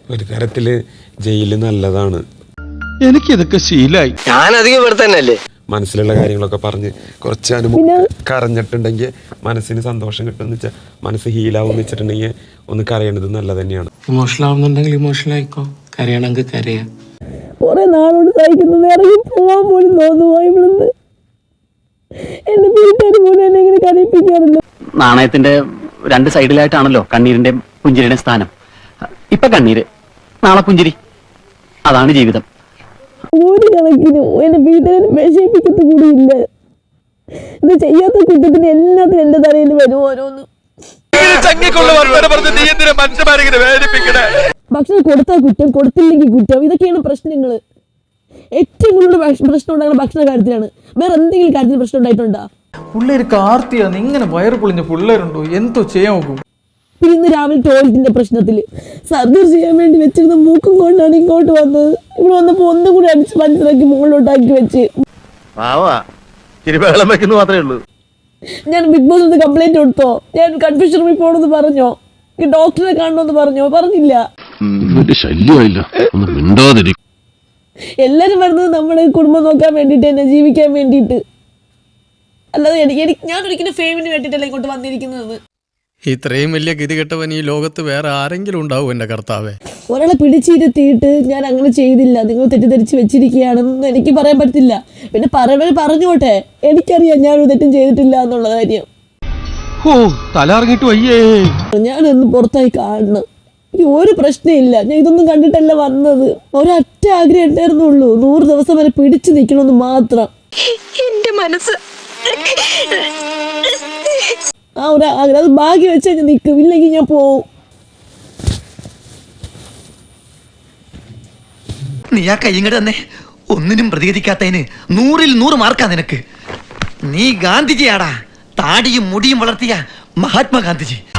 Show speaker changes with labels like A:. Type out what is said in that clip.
A: ഒരു തരത്തില് ജയില് നല്ലതാണ്.
B: എനിക്കിതൊക്കെ ശീലായി.
C: ഞാനധികം ഇവിടെ തന്നെയല്ലേ.
A: മനസ്സിലുള്ള കാര്യങ്ങളൊക്കെ പറഞ്ഞ് കുറച്ച് കരഞ്ഞിട്ടുണ്ടെങ്കിൽ മനസ്സിന് സന്തോഷം കിട്ടുമെന്ന് വെച്ചാൽ മനസ്സ് ഹീലാവും വെച്ചിട്ടുണ്ടെങ്കിൽ ഒന്ന് കരയണത് നല്ലത് തന്നെയാണ്.
D: ഇമോഷണൽ ആവുന്നുണ്ടെങ്കിൽ ഇമോഷണൽ ആയിക്കോ, കരയണമെങ്കിൽ കരയാ.
E: കുറെ നാളോട് സഹിക്കുന്നത് ഇറങ്ങി പോവാൻ പോലും തോന്നുപോയി ഇവിടുന്ന്. എന്റെ വീട്ടുകാർ പോലും എന്നെ ഇങ്ങനെ കരയിപ്പിക്കാറില്ല.
F: നാണയത്തിന്റെ രണ്ട് സൈഡിലായിട്ടാണല്ലോ കണ്ണീരിന്റെ പുഞ്ചിരിയുടെ സ്ഥാനം. ഇപ്പൊ കണ്ണീര്, നാളെ പുഞ്ചിരി, അതാണ് ജീവിതം.
E: ഒരു കണക്കിനും എന്റെ വീട്ടുകാരെ വിഷയിപ്പിക്കത്ത് കൂടിയില്ല. ഇത് ചെയ്യാത്ത കുറ്റത്തിന് എല്ലാത്തിനും എന്റെ തലയിൽ വരും ഓരോന്ന്. ഭക്ഷണം കൊടുത്താൽ കുറ്റം, കൊടുത്തില്ലെങ്കിൽ കുറ്റം, ഇതൊക്കെയാണ് പ്രശ്നങ്ങള്. ഏറ്റവും കൂടുതൽ പ്രശ്നം ഉണ്ടാകുന്ന ഭക്ഷണ കാര്യത്തിലാണ്. വേറെ എന്തെങ്കിലും കാര്യത്തിൽ പ്രശ്നം ഉണ്ടായിട്ടുണ്ടോ?
B: പിള്ളേര് കാർത്തിയാന്ന് ഇങ്ങനെ വയറ് പൊളിഞ്ഞ പിള്ളേരുണ്ടോ? എന്തോ ചെയ്യാൻ നോക്കും.
E: പിന്നെ ഇന്ന് രാവിലെ ടോയ്ലറ്റിന്റെ പ്രശ്നത്തിൽ സർജറി ചെയ്യാൻ വേണ്ടി വെച്ചിരുന്ന മൂക്കും കൊണ്ടാണ് ഇങ്ങോട്ട് വന്നത്. ഇവിടെ വന്നപ്പോ ഒന്നും കൂടി അടിച്ച് മനസ്സിലാക്കി മുകളിലോട്ടാക്കി വെച്ച് ഞാൻ ബിഗ് ബോസ് കംപ്ലൈന്റ് കൊടുത്തോ? ഞാൻ കൺഫ്യൂഷൻ റൂമിൽ പോകണമെന്ന് പറഞ്ഞോ? ഡോക്ടറെ കാണണമെന്ന് പറഞ്ഞോ? പറഞ്ഞില്ല. എല്ലാരും വരുന്നത് നമ്മുടെ കുടുംബം നോക്കാൻ വേണ്ടിട്ട് തന്നെ, ജീവിക്കാൻ വേണ്ടിട്ട്. അല്ലാതെ ഞാൻ ഒരിക്കലും ഫെയിമിന് വേണ്ടിട്ടല്ല ഇങ്ങോട്ട് വന്നിരിക്കുന്നത്.
G: ഇത്രയും വലിയ ഗതികെട്ടവൻ ഈ ലോകത്ത് വേറെ ആരെങ്കിലും ഉണ്ടാവും എന്റെ കർത്താവേ.
E: ഒരാളെ പിടിച്ചിരുത്തിയിട്ട് ഞാൻ അങ്ങനെ ചെയ്തില്ല, നിങ്ങൾ തെറ്റിദ്ധരിച്ച് വെച്ചിരിക്കുകയാണെന്ന് എനിക്ക് പറയാൻ പറ്റില്ല. പിന്നെ പറഞ്ഞോട്ടെ, എനിക്കറിയാം ഞാനൊരു തെറ്റും ചെയ്തിട്ടില്ല എന്നുള്ള കാര്യം.
B: തലറിഞ്ഞിട്ട് വയ്യേ.
E: ഞാനൊന്ന് പുറത്തായി കാണണം. എനിക്ക് ഒരു പ്രശ്നമില്ല. ഞാൻ ഇതൊന്നും കണ്ടിട്ടല്ല വന്നത്. ഒരൊറ്റ ആഗ്രഹം ഉണ്ടായിരുന്നുള്ളൂ, 100 ദിവസം വരെ പിടിച്ചു നിൽക്കണമെന്ന് മാത്രം.
H: എന്റെ മനസ്സ്
E: ആ ഒരു ആഗ്രഹം, അത് ഭാഗ്യം വെച്ചാൽ ഞാൻ നിൽക്കും, ഇല്ലെങ്കിൽ ഞാൻ പോവും.
C: നീ ആ കയ്യങ്ങട് തന്നെ ഒന്നിനും പ്രതികരിക്കാത്തതിന് 100-ൽ 100 മാർക്കാ നിനക്ക്. നീ ഗാന്ധിജിയാടാ, താടിയും മുടിയും വളർത്തിയ മഹാത്മാഗാന്ധിജി.